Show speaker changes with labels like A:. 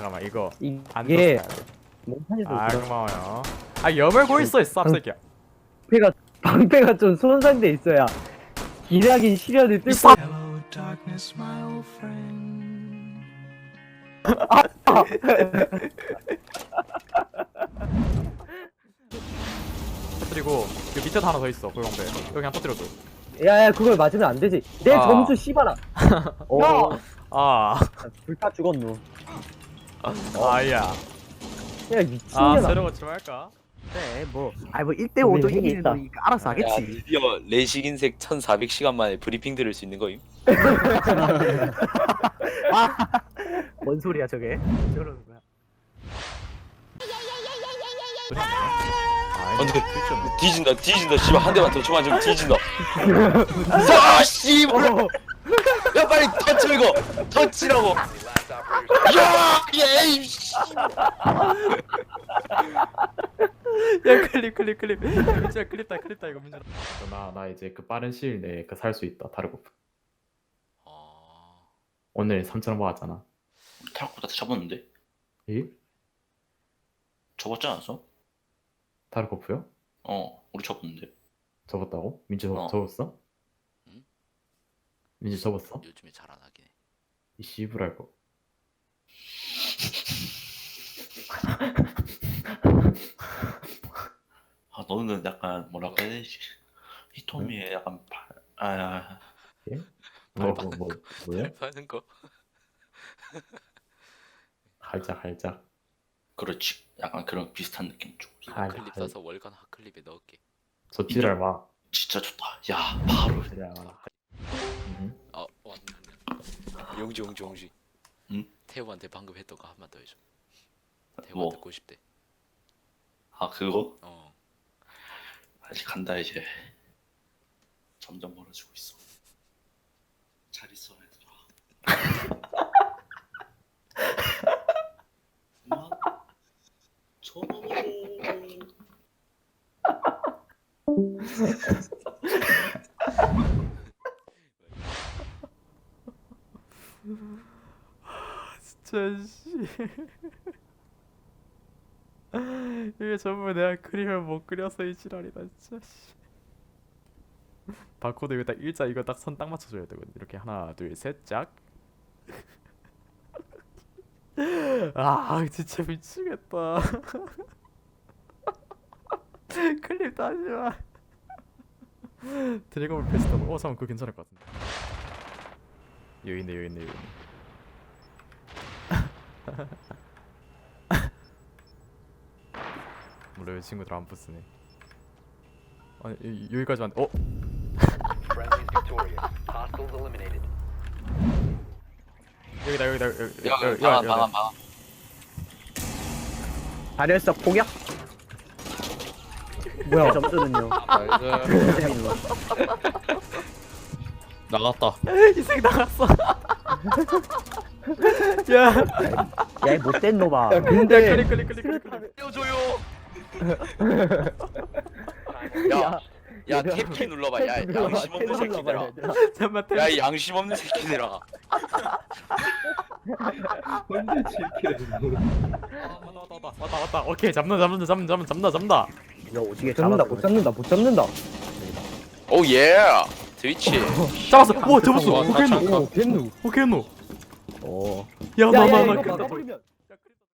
A: 잠깐만 이거 안
B: 이게
A: 떴어야 돼.
B: 몽탄에서
A: 아 고마워요. 아 여물고 있어 이 쌉새끼야.
B: 방패가 좀 손상돼 있어야 기나긴 시련을
A: 이
B: 뚫고
A: 쌉.
C: Hello, darkness, my old friend.
A: 터뜨리고 그 밑에도 하나 더 있어 고용배. 여기 그냥 터뜨려줘.
B: 야야 그걸 맞으면 안 되지 내
A: 아.
B: 점수 씨발아 야
A: 아
B: 불타 죽었노
A: 아야.
B: 야
A: 아
B: 미친년아
A: 새로운 좀 할까?
D: 네, 뭐 1대5도
B: 우리
D: 이기는
B: 있다.
D: 거니까 알아서
E: 야,
D: 하겠지.
E: 드디어 레식 인색 1400시간 만에 브리핑 들을 수 있는 거임.
D: 뭔 소리야 저게? 저러는 거야.
A: 아
E: 근데 뒤진다 씨발 한 대만 더 쳐만 좀 뒤진다. 아 씨발. 야 빨리 터치 이거 터치라고. 야 예이 씨.
A: 야 클립 민준아 클립다 이거 민준아. 나 이제 그 빠른 시일 내에 그 살 수 있다 다르고. 오늘 3,000원 모았잖아.
F: 타락보다 접었는데?
A: 예?
F: 접었지 않았어?
A: 다르코프요?
F: 우리 접었는데.
A: 접었다고? 민주
F: 어.
A: 접었어?
G: 응?
A: 민주 접었어?
G: 요즘에 잘 안 하긴 해.
A: 이 씨부랄 거.
F: 아, 너는 약간 뭐라고 해야 되지? 히토미의 약간
A: 뭐야?
G: 하는 거.
A: 할짝.
F: 그렇지. 약간 그런 비슷한 느낌 좀.
A: 할-
G: 클립
A: 할-
G: 사서 월간 핫클립에 넣을게.
A: 저 지랄 마.
F: 진짜 좋다. 야, 바로.
A: 지랄 마.
G: 아 왔네. 용지.
F: 응?
G: 태우한테 방금 했던 거 한 번 더 해줘. 태우가
F: 뭐?
G: 듣고 싶대.
F: 아, 그거?
G: 어.
F: 아직 간다 이제. 점점 멀어지고 있어. 잘 있어, 얘들아. 그만. 전화로.
A: 진짜 씨. 이게 전부 내가 그림을 못 그려서 이 지랄이다 진짜 씨. 바코드 이거 딱 일자 이거 딱 선 딱 맞춰줘야 되거든. 이렇게 하나 둘 셋 짝. 아 진짜 미치겠다. 클립 다시 마. 드래곤볼 페스티벌. 잠깐 그거 괜찮을 것 같은데. 여기 있네. 물론 이 친구들 안 부스네. 아니 여기까지만. 여기다.
E: 야 방안.
B: 다리에서 공격 뭐야 점수는요
E: 나갔다.
A: 이 새끼 나갔어. 야
B: 야이 못된 놈아
A: 클릭.
E: 떼어줘요. 야 탭키 눌러봐. 야 양심 없는 새끼들아.
A: 잠깐만.
E: 야 이 양심 없는 새끼들아.
A: 왔다. 오케이 잡는다.
D: 야 오지게
B: 잡는다 못 잡는다
E: 오 예. 트위치.
A: 잡았어. 오 잡았어.
E: 와,
A: 오케이 노.
B: 오 겠누
A: 오케이 노.
B: 오
A: 야나
B: 야야 이거
A: 나.
B: 막아버리면